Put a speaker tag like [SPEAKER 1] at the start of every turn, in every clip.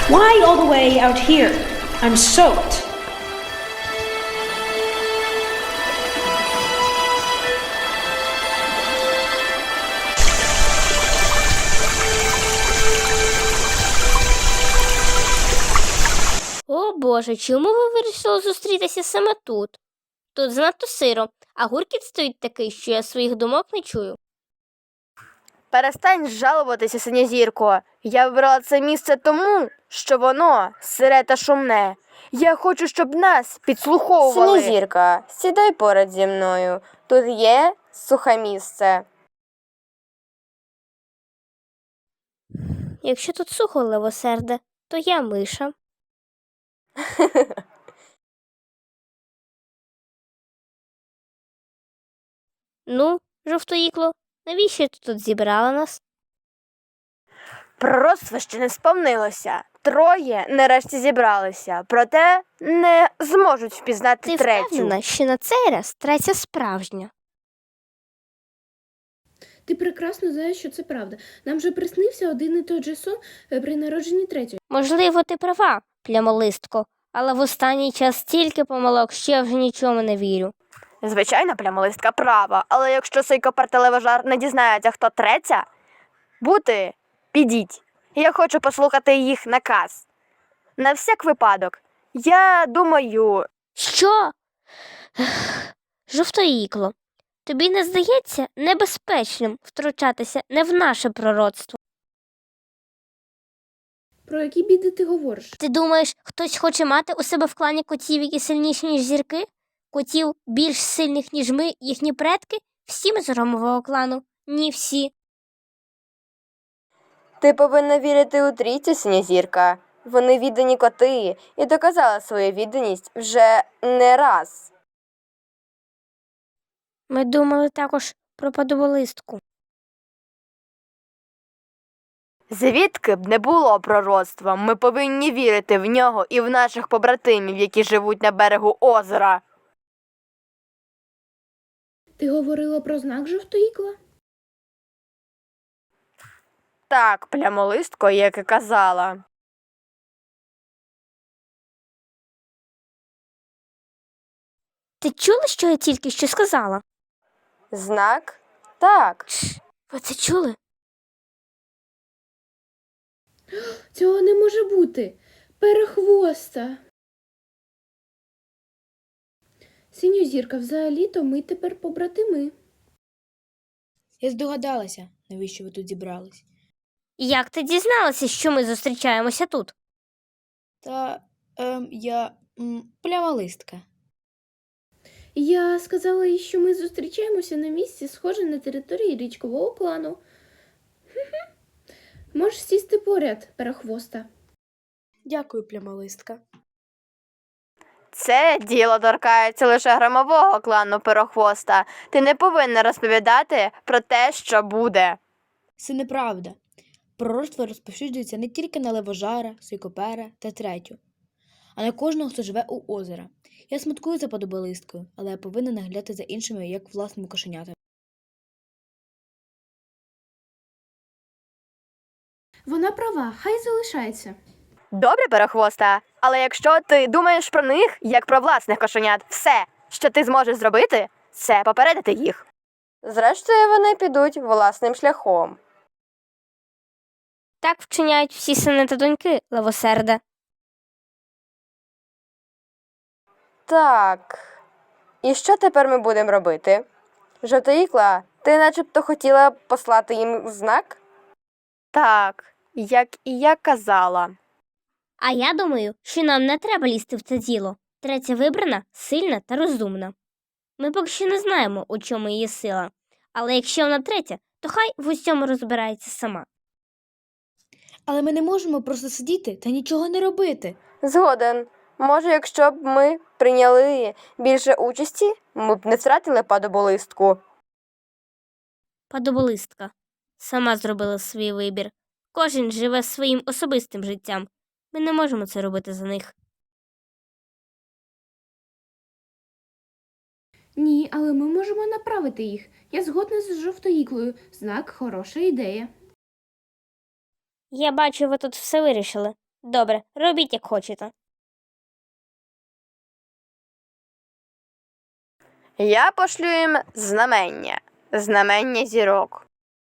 [SPEAKER 1] Why all the way out here? I'm soaked.
[SPEAKER 2] О Боже, чому ви вирішили зустрітися саме тут? Тут занадто сиро, а гуркіт стоїть такий, що я своїх думок не чую.
[SPEAKER 3] Перестань жалуватися, синьозірко. Я вибрала це місце тому, що воно сире та шумне. Я хочу, щоб нас підслуховували. Синьозірка, сідай поряд зі мною. Тут є сухе місце.
[SPEAKER 2] Якщо тут сухо, левосерде, то я миша. Ну, жовтоїкло, навіщо ти тут зібрала нас?
[SPEAKER 3] Пророцтво ще не сповнилося. Троє нарешті зібралися, проте не зможуть впізнати
[SPEAKER 2] Ти
[SPEAKER 3] третю.
[SPEAKER 2] впевнена, що на цей раз третя справжня?
[SPEAKER 4] Ти прекрасно знаєш, що це правда. Нам же приснився один і той же сон при народженні третьої.
[SPEAKER 2] Можливо, ти права, плямолистко, але в останній час стільки помилок, що я вже нічому не вірю.
[SPEAKER 3] Звичайно, плямолистка права, але якщо Сойкопер та Левожар не дізнається, хто третя, підіть. Я хочу послухати їх наказ. На всяк випадок. Я думаю...
[SPEAKER 2] Що? Жовтоїкло, тобі не здається небезпечним втручатися не в наше пророцтво?
[SPEAKER 4] Про які біди ти говориш?
[SPEAKER 2] Ти думаєш, хтось хоче мати у себе в клані котів, які сильніші, ніж зірки? Котів більш сильних, ніж ми, їхні предки? Всі ми з громового клану? Ні, всі.
[SPEAKER 3] Ти повинна вірити у трійцю, синьозірка. Вони віддані коти і доказали свою відданість вже не раз.
[SPEAKER 2] Ми думали також про падоболистку.
[SPEAKER 3] Звідки б не було пророцтва, ми повинні вірити в нього і в наших побратимів, які живуть на берегу озера.
[SPEAKER 4] Ти говорила про знак жовтоїкла?
[SPEAKER 3] Так, плямолистко, як і казала.
[SPEAKER 2] Ти чула, що я тільки що сказала?
[SPEAKER 3] Знак? Так.
[SPEAKER 2] Ви це чули?
[SPEAKER 4] Цього не може бути. Перехвоста. Синьозірка, взагалі-то ми тепер побратими.
[SPEAKER 5] Я здогадалася, навіщо ви тут зібрались.
[SPEAKER 2] Як ти дізналася, що ми зустрічаємося тут?
[SPEAKER 5] Та я плямалистка.
[SPEAKER 4] Я сказала їй, що ми зустрічаємося на місці, схоже на території річкового клану. Можеш сісти поряд, перехвоста.
[SPEAKER 5] Дякую, плямалистка.
[SPEAKER 3] Це діло торкається лише громового клану Перохвоста. Ти не повинна розповідати про те, що буде.
[SPEAKER 5] Це неправда. Пророцтво розповсюджується не тільки на Левожара, Сойкопера та третю, а на кожного, хто живе у озера. Я смуткую за падоболисткою, але я повинна наглядати за іншими, як власними кошенятами.
[SPEAKER 4] Вона права, хай залишається.
[SPEAKER 3] Добре, Перехвоста, але якщо ти думаєш про них, як про власних кошенят, все, що ти зможеш зробити, це попередити їх. Зрештою, вони підуть власним шляхом.
[SPEAKER 2] Так вчиняють всі сини та доньки, левосерде.
[SPEAKER 3] Так. І що тепер ми будемо робити? Жовтоїкла, ти начебто хотіла послати їм знак? Так, як і я казала.
[SPEAKER 2] А я думаю, що нам не треба лізти в це діло. Третя вибрана, сильна та розумна. Ми поки що не знаємо, у чому її сила. Але якщо вона третя, то хай в усьому розбирається сама.
[SPEAKER 5] Але ми не можемо просто сидіти та нічого не робити.
[SPEAKER 3] Згоден. Може, якщо б ми прийняли більше участі, ми б не втратили падоболистку.
[SPEAKER 2] Падоболистка сама зробила свій вибір. Кожен живе своїм особистим життям. Ми не можемо це робити за них.
[SPEAKER 4] Ні, але ми можемо направити їх. Я згодна з жовтоїклою. Знак – хороша ідея.
[SPEAKER 2] Я бачу, ви тут все вирішили. Добре, робіть як хочете.
[SPEAKER 3] Я пошлю їм знамення зірок.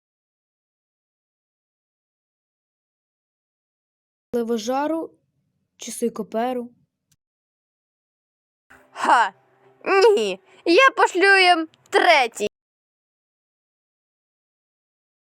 [SPEAKER 5] Левожару чи сойкоперу?
[SPEAKER 3] Ха! Ні, я пошлю їм третій